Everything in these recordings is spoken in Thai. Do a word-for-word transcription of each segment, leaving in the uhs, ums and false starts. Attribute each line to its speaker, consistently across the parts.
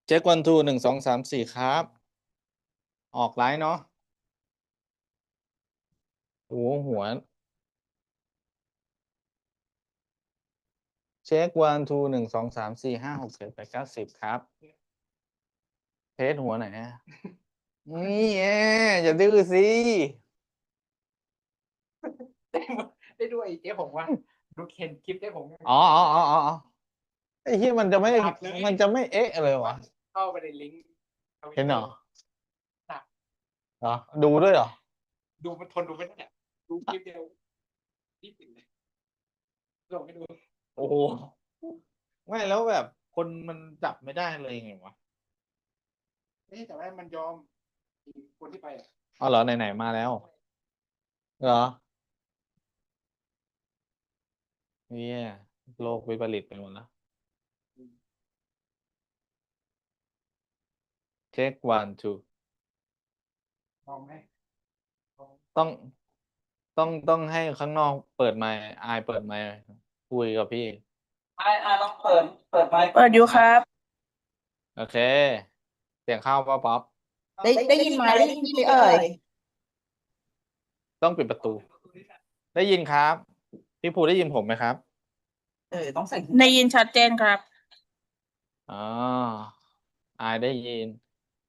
Speaker 1: เช็ควันทูหนึ่งสองสามสี่ครับ ออกไลน์เนาะหัวหัวเช็ควันทูหนึ่งสองสามสี่ห้าหกเจ็ดแปดเก้าสิบครับเทสหัวไหนอะนี่เอ๊อย่าดื้อสิ
Speaker 2: ได้ได้ดูไอ้เจ๊ผมว่าดูเคนคลิปได้ผม
Speaker 1: อ๋ออ๋ออ๋ออ๋อไอ้ที่มันจะไม่มันจะไม่เอ๊ะเลยวะ
Speaker 2: เข้าไปในลิงก์ทวิต
Speaker 1: เห็น
Speaker 2: เต
Speaker 1: เหร
Speaker 2: อ
Speaker 1: อ
Speaker 2: ร์หนัก
Speaker 1: เหรอ ดูด้วยเหรอ
Speaker 2: ดูมันทนดูไม่ได้เนี่ยดูคลิปเดียวรีบปิดเลยลงให้ดู
Speaker 1: โอ้โหไม่แล้วแบบคนมันจับไม่ได้เลยไงวะ
Speaker 2: เอ๊ะแต่ว่ามันยอมอีกคนที่ไปอ่ะ
Speaker 1: อ๋อเหรอไหนๆมาแล้วเหรอเนี่ยโลกวิปริตไปหมดแล้วเช็ควันทู
Speaker 2: ลองไหมลอง
Speaker 1: ต้องต้องต้องให้ข้างนอกเปิดไมค์อายเปิดไมค์คุยกับพี่
Speaker 2: ไอ้ไอ้ลองเปิดเปิดไมค์
Speaker 3: เปิดอยู่ครับ
Speaker 1: โอเค เสียงเข้าป๊อปป๊อป
Speaker 3: ได้ได้ยินไหมได้ยินพี่เอ่ย
Speaker 1: ต้องปิดประตู ได้ยินครับ พี่ภูได้ยินผมไหมครับ
Speaker 3: เออต้องใส่ได้ยินชัดเจนครับ
Speaker 1: อ๋ออายได้ยิน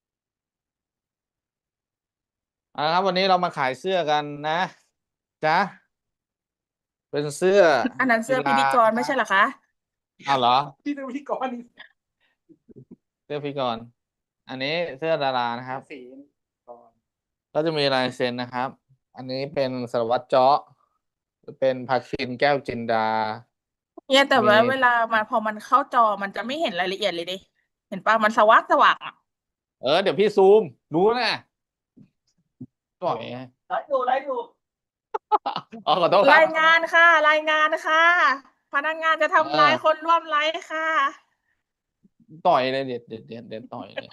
Speaker 1: เอาละครับวันนี้เรามาขายเสื้อกันนะจ๊ะเป็นเสื้อ
Speaker 3: อันนั้นเสื้อพิธีกรไม่ใช่เหรอคะ
Speaker 1: อ้าวเหรอ
Speaker 2: พี่ดูพี่กรนี่
Speaker 1: เสื้อพี่กรณ์อันนี้เสื้อดารานะครับ
Speaker 2: สีก่อน
Speaker 1: ก็จะมีลายเซ็นนะครับ อันนี้เป็นสารวัตรเจาะเป็นภาคินแก้วจินดา
Speaker 3: เนี่ยแต่ว่า
Speaker 1: มี
Speaker 3: เวลามันพอมันเข้าจอมันจะไม่เห็นรายละเอียดเลยดิเห็นปะมันสว่างสว่างอ่ะ
Speaker 1: เออเดี๋ยวพี่ซูมรู้นะก่อยไง
Speaker 3: ไลฟ์ดูไลฟ์ดู
Speaker 1: อ๋อขอโทษครั
Speaker 3: รา
Speaker 1: บ
Speaker 3: ยงานค่ะ รายงานค่ะ พนักงานจะ
Speaker 1: เอ
Speaker 3: ทำลาย
Speaker 1: อ
Speaker 3: คนร่วมไลฟ์ค่ะ
Speaker 1: ต่อยเลยเด็ดเด็ดเด็ดเด็ดต่อยเลย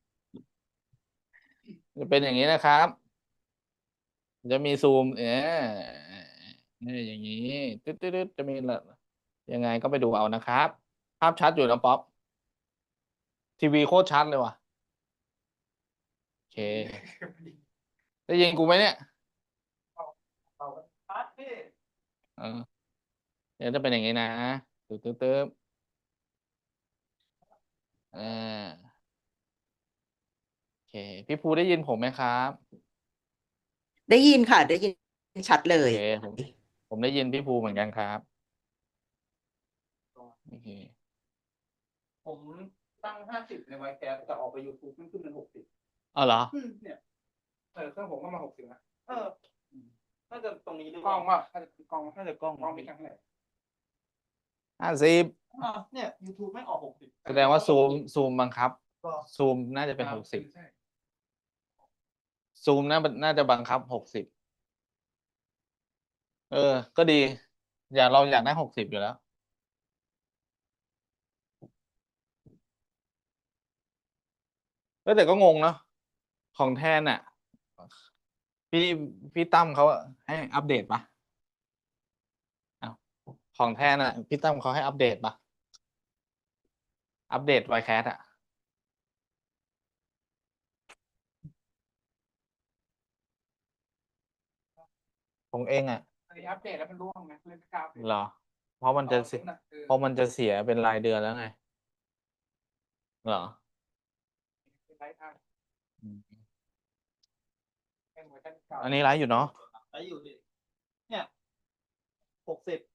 Speaker 1: จะเป็นอย่างนี้นะครับ จะมีซูมเออเนี่ยอย่างนี้ตึ๊ดตึ๊ดตึ๊ดจะมีละยังไงก็ไปดูเอานะครับ ภาพชัดอยู่นะป๊อปทีวีโคตรชัดเลยว่ะโอเค ได้ยินกูไหมเนี่ย
Speaker 2: เอาพัดพี่
Speaker 1: เออเดี๋ยวจะเป็นอย่างนี้นะตึ๊ดตึ๊ดตึ๊ดเออโอเค พี่ภูได้ยินผมไหมครับ
Speaker 4: ได้ยินค่ะ ได้ยินชัดเล
Speaker 1: โอย เคผมผมได้ยินพี่ภูเหมือนกันครับโอเค
Speaker 2: ผมตั้งห้าสิบในไวแคสแต่ออกไปยูทูบมันขึ้นเป็นหกสิบ
Speaker 1: อ๋อเหรอ
Speaker 2: เนี่ยเออเครื่องผมก็มาหกสิบนะเออ
Speaker 4: น่าจะตรงนี้หรือก
Speaker 2: ล้องว่าถ้าจะกล้อง
Speaker 4: น่าจะกล้อง
Speaker 2: กล้องมีครั้งไหน
Speaker 1: ห้าสิบ
Speaker 2: อ่ะเนี่ยยูทูบไม่ออกหกสิบ
Speaker 1: แสดงว่าซูมซูมบังคับ ซูมน่าจะเป็นหกสิบ
Speaker 2: ใช่
Speaker 1: ซูมน่าน่าจะบังคับหกสิบ เออ ก็ดี อยากเราอยากได้หกสิบอยู่แล้ว เออแต่ก็งงเนาะของแทนอ่ะ พี่พี่ตั้มเขาให้อัปเดตปะอ้าวของแทนอ่ะ พี่ตั้มเขาให้อัปเดตปะอัปเดตไวแคสอ่ะ ของเองอ่ะ
Speaker 2: ไออัปเดตแล้วมันร่วงไงเลยไม่กล้าอัปเดต
Speaker 1: เหรอ เพราะมันจะเสีย
Speaker 2: เออ
Speaker 1: เพราะมันจะเสียเป็นรายเดือนแล้วไง เหรอ
Speaker 2: ไลฟ์ทาง
Speaker 1: อืม
Speaker 2: เป็นเวอร์ชันเก่า
Speaker 1: อันนี้ไลฟ์อยู่เนาะ
Speaker 4: ไปอยู่ดิเนี่ยหกสิบ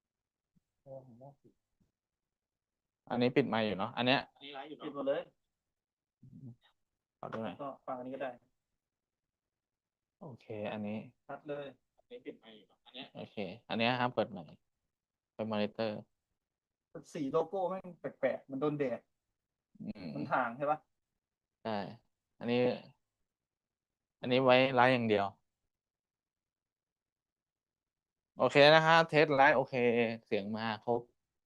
Speaker 1: อันนี้ปิดไมค์อยู่เนาะ อันเนี้ย
Speaker 4: อันนี้ไลฟ์อยู่เนาะหมดเลย
Speaker 1: ขอดูหน่อย
Speaker 4: ก็ฟังอันนี้ก็ได้
Speaker 1: โอเค อันนี้
Speaker 4: ชัดเลยอันนี้ปิดไมค์อยู่เนาะอันเนี้ย
Speaker 1: โอเค อันเนี้ยห้ามเปิดใหม่ไปมอนิเตอร์
Speaker 4: สีโลโก้แม่งแปลกๆมันโดนแดด
Speaker 1: อืม
Speaker 4: มันถ่างใช่ปะ
Speaker 1: ใช่ อันนี้ อันนี้ไว้ไลฟ์อย่างเดียว โอเคนะฮะเทสไลฟ์โอเค เสียงมาครบ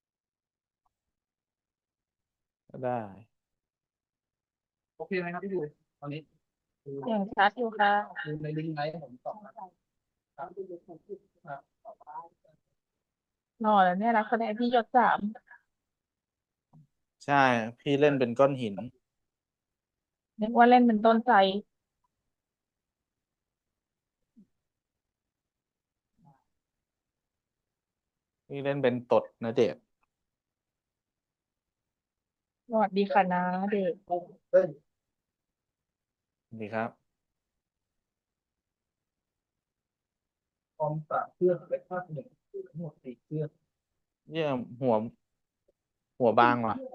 Speaker 1: ก็ได้
Speaker 2: โอเคไหมครับพี่ดูตอนนี้
Speaker 3: อย่างชัดอยู่ค่ะ
Speaker 2: ดูในลิงก์ไลฟ์ผมตอบครับ
Speaker 3: หล่อแล้วเนี่ยนักแสดงที่ยศสาม
Speaker 1: ใช่ พี่เล่นเป็นก้อนหิน
Speaker 3: นึกว่าเล่นเป็นต้นใจ
Speaker 1: พี่เล่นเป็นตดนะเด็ก
Speaker 3: สวัสดีค่ะนะเด็ก
Speaker 1: ดีครับ
Speaker 4: คอมสามเครื่องเป็นภาคหนึ่งทั้งหมดสี่เครื่อง
Speaker 1: เยี่ยมหัวหัวบางว่ะ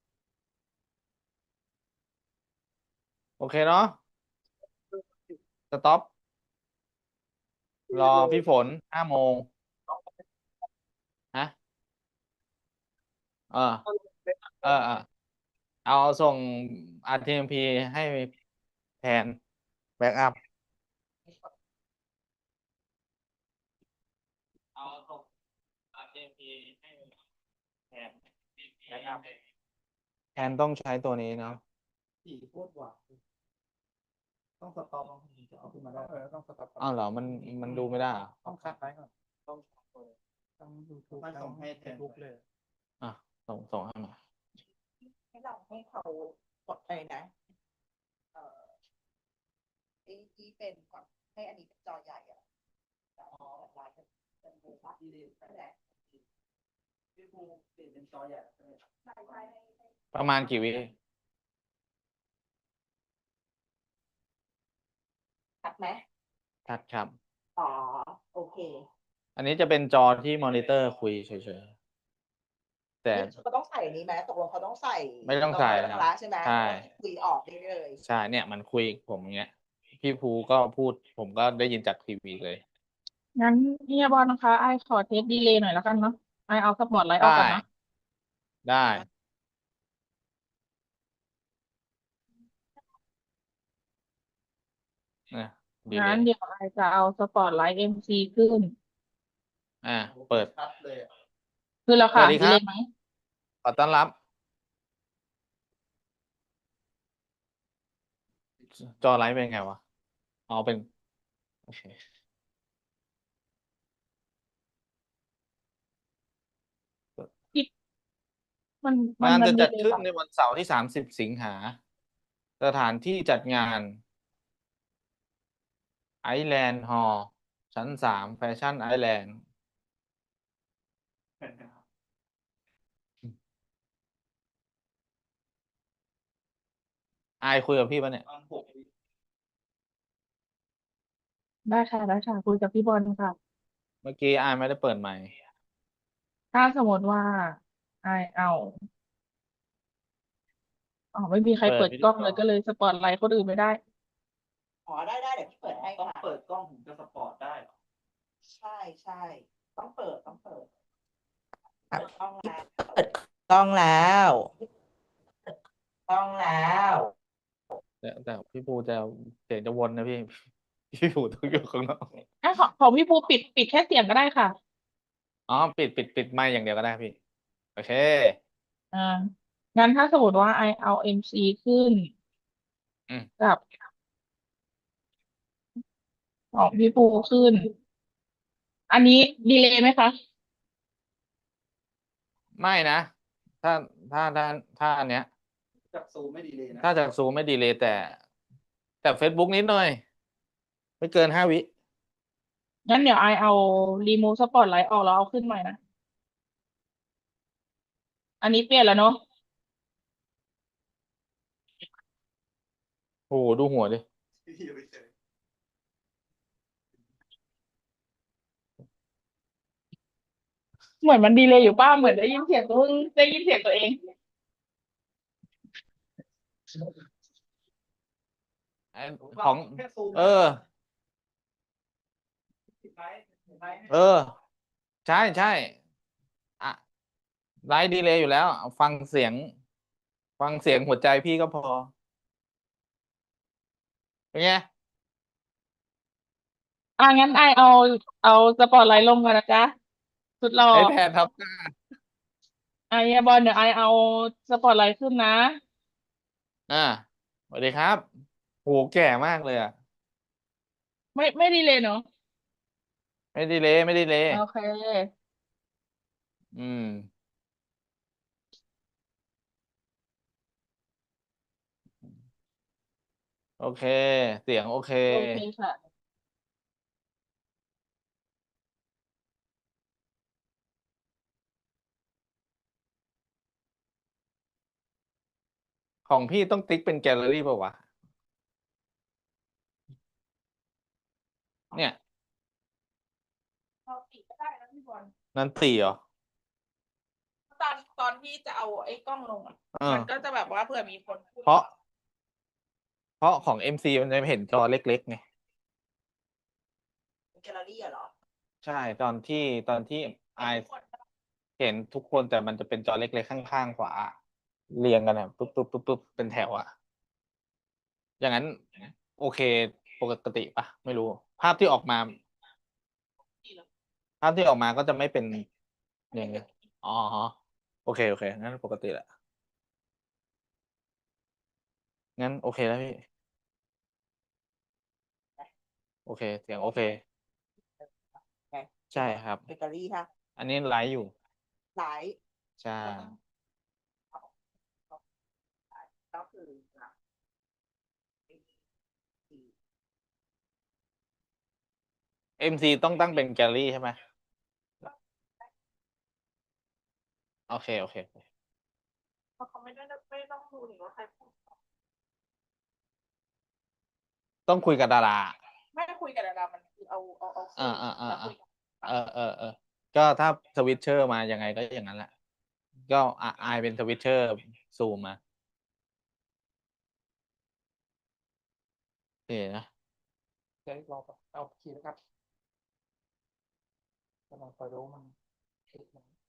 Speaker 1: โอเคเนาะสต็อปรอพี่ฝนห้าโมงฮะเออเออเออเอาส่ง อาร์ ที เอ็ม พี ให้แทนแบ็กอัพเอาส่ง อาร์ ที เอ็ม พี ให้แทนแบ็กอัพแทนต้องใช้ตัวนี้เนาะ
Speaker 4: สี่โคตรหวานต้องสต็อปถึงจะเอาขึ้นมาได้เออต้องสต็อปก่อน
Speaker 1: อ้าวเหรอมันมันดูไม่ได้เหรอ
Speaker 4: ต้องคัดไว้ก่อนต้องต้องยูทูบไม่ส่งให้เฟซบุ๊กเลย
Speaker 1: อ่ะส่งส่งให้มา
Speaker 5: ให้เราให้เขากดเลยนะ เอ่อไอ้ที่เป็นก่อนให้อันนี้เป็นจอใหญ่อะแต่อ๋อลายเป็นเป็นบูบัตดีเลยนั่นแหละ
Speaker 4: พี่ภูเปลี่ยนเป็นจอใหญ่ใช่ไหมครับ
Speaker 5: ใช่ใช่ให้ให้
Speaker 1: ประมาณกี่วิ
Speaker 5: ชัดไหม
Speaker 1: ชัดครับ
Speaker 5: อ๋อ โอเค
Speaker 1: อันนี้จะเป็นจอที่มอนิเตอร์คุยเฉยๆแต่
Speaker 5: นี่เขาต้องใส่อันนี้ไหมตกลงเขาต้องใส่
Speaker 1: ไม่ต้องใส่
Speaker 5: แล้
Speaker 1: ครับ
Speaker 5: วใช่ไหม
Speaker 1: ใช่
Speaker 5: คุยออกได้เลย
Speaker 1: ใช่เนี่ยมันคุยกับผมอย่างเงี้ย พี่ภูก็พูดผมก็ได้ยินจากทีวีเลย
Speaker 3: งั้นเฮียบอลนะคะไอขอเทสดีเลย์หน่อยแล้วกันเนาะไอเอาสปอตไลท์ออก
Speaker 1: ได้
Speaker 3: ก่อนเนาะ
Speaker 1: ได้ นะดีเล
Speaker 3: งั้น
Speaker 1: ย
Speaker 3: เดี๋ยวไอจะเอาสปอตไลท์เอ็มซีขึ้น
Speaker 1: อ่าเปิด
Speaker 4: ชัดเลยอะ
Speaker 3: ขึ้นแล้ว
Speaker 1: ส
Speaker 3: ค่ะ
Speaker 1: วัสดี
Speaker 3: ดี
Speaker 1: ครั
Speaker 3: เล
Speaker 1: บ
Speaker 3: ย์ไหม
Speaker 1: ขอต้อนรับ จอไลฟ์เป็นไงวะอ๋อเป็นโอเค
Speaker 3: มันมัน
Speaker 1: งาน
Speaker 3: มัน
Speaker 1: จะ
Speaker 3: ดี
Speaker 1: จัด
Speaker 3: เลย์
Speaker 1: ขึ้น
Speaker 3: แบบ
Speaker 1: ในวันเสาร์ที่สามสิบสิงหาสถานที่จัดงานไอแลนด์ฮอลล์ชั้นสามแฟชั่นไอแลนด์ไอายคุยกับพี่ปะเนี่ย
Speaker 4: ตอนหกวิ
Speaker 3: ได้ค่ะได้ค่ะคุยกับพี่บอลค่ะ
Speaker 1: เมื่อกี้ไอายไม่ได้เปิดไมค์
Speaker 3: ถ้าสมมติว่าไอเอาอ๋อไม่มีใคร
Speaker 1: เปิ
Speaker 3: เปิ
Speaker 1: ด
Speaker 3: ด
Speaker 1: พิ
Speaker 3: ก
Speaker 1: ธี
Speaker 3: ล้อง
Speaker 1: ก
Speaker 3: เลย
Speaker 1: ร
Speaker 3: ก็เลยสปอตไลท์คนอื่นไม่ได้
Speaker 5: อ๋อ ได้ได้เดี๋ยวพี่เปิดให้
Speaker 4: ต้อง
Speaker 5: ค่ะ
Speaker 4: เปิดกล้องถึงจะสปอร์ตได้เหรอ
Speaker 5: ใช่ใช่ ต้องเปิดต้องเปิดเปิดกล้องแล้วเปิดกล้องแล้วกล้องแล้ว
Speaker 1: แต่แต่พี่ภูจะเสียงจะวนนะพี่ พี่ภูต้องอยู่ข้างนอก
Speaker 3: อ่ะของของพี่ภูปิดปิดแค่เสียงก็ได้ค่ะ
Speaker 1: อ๋อปิดปิดปิดไมค์อย่างเดียวก็ได้พี่ โอเค
Speaker 3: อ่างั้นถ้าสมมติว่าไอเอา เอ็ม ซี ขึ้น
Speaker 1: อืม
Speaker 3: กับของพี่ภูขึ้น อันนี้ดีเลย์ไหมคะ
Speaker 1: ไม่นะ ถ้าถ้าถ้าถ้าอันเนี้ย
Speaker 4: จากซูมไม่ดีเลยนะ
Speaker 1: ถ้าจากซูมไม่ดีเลยแต่ แต่ Facebook นิดหน่อย ไม่เกินห้าวิ
Speaker 3: งั้นเดี๋ยวไอเอารีมูฟสปอตไลท์ออกแล้วเอาขึ้นใหม่นะ อันนี้เปลี่ยนแล้วเนาะ
Speaker 1: โอ้โหดูหัวดิ
Speaker 4: พี่ไปเจอ
Speaker 3: เหมือนมันดีเลย์อยู่ป้าเหมือนได้ยินเสียงตัวได้ยินเสียงตัวเอง
Speaker 1: ไอ้ของ
Speaker 4: แค่ซูม
Speaker 1: เออ
Speaker 4: ไลฟ์ไลฟ์
Speaker 1: เออ ใช่ใช่อะไลฟ์ดีเลยอยู่แล้ว ฟังเสียง ฟังเสียงหัวใจพี่ก็พอ เป็นไง
Speaker 3: อ่ะงั้นไอเอาเอาสปอตไลท์ลงก่อนนะจ๊ะสุดหล่อ
Speaker 1: ไอแพดครับ
Speaker 3: ไอะเฮียบอลเดี๋ยวไอเอาสปอตไลท์ขึ้นนะ
Speaker 1: อ่าสวัสดีครับโหแก่มากเลยอ่ะ
Speaker 3: ไม่ไม่ดีเลยเนาะ
Speaker 1: ไม่ดีเลยไม่ดีเลย
Speaker 3: โอเค
Speaker 1: อืมโอเค เสียงโอเค
Speaker 3: โอเคค่ะ
Speaker 1: ของพี่ต้องติ๊กเป็นแกลเลอรี่ป่าววะ เนี่ย
Speaker 3: เราติดก็ได้นะพี่บอล
Speaker 1: นันตีเหรอ
Speaker 3: ตอนตอนที่จะเอาไอ้กล้องลงอ่ะ
Speaker 1: เออ
Speaker 3: มันก็จะแบบว่าเผื่อมีคนพูด
Speaker 1: เพราะ เพราะของ เอ็ม ซี มันจะเห็นจอเล็กๆไง
Speaker 5: แกลเลอรี่อะเหรอ
Speaker 1: ใช่ ตอนที่ตอนที่ไอ
Speaker 3: ทุกคน
Speaker 1: เห็นทุกคนแต่มันจะเป็นจอเล็กๆข้างๆขวา เรียงกันอะปุ๊บปุ๊บปุ๊บปุ๊บเป็นแถวอะอย่างนั้น โอเค ปกติปะไม่รู้ ภาพที่ออกมา ภาพที่ออกมาก็จะไม่เป็นอย่างเงี้ยอ๋อ โอเค โอเค งั้นปกติแหละ งั้นโอเคแล้วพี่ โอเค เสียงโอเค
Speaker 5: ไง
Speaker 1: ใช่ครับ
Speaker 5: แกลเลอรี่ค่ะ
Speaker 1: อันนี้ไลฟ์อยู่
Speaker 5: ไลท์
Speaker 1: ใช่
Speaker 5: ก็คืออ่ะ
Speaker 1: เอ็ม ซี ต้องตั้งเป็นแกลเลอรี่ใช่ไหมโอเค โอเค
Speaker 3: เพราะเขาไม่ได้ไม่ต้องดูหรือว่าใครพูด
Speaker 1: ต้องคุยกับดารา
Speaker 3: ไม่ได้คุยกับดารามันคือเอาเอาเอา
Speaker 1: อ่าอ่าอ่า
Speaker 3: แล้วคุยกัน
Speaker 1: เออเออเออ ก็ถ้าสวิตเชอร์มายังไงก็อย่างนั้นแหละ ก็อ่ะไอเป็นสวิตเชอร์ซูมมาโอเคนะ
Speaker 4: เดี๋ยวรอแบบเอาคีย์แล้วกันกำลังคอยรู้มันคลิกมัน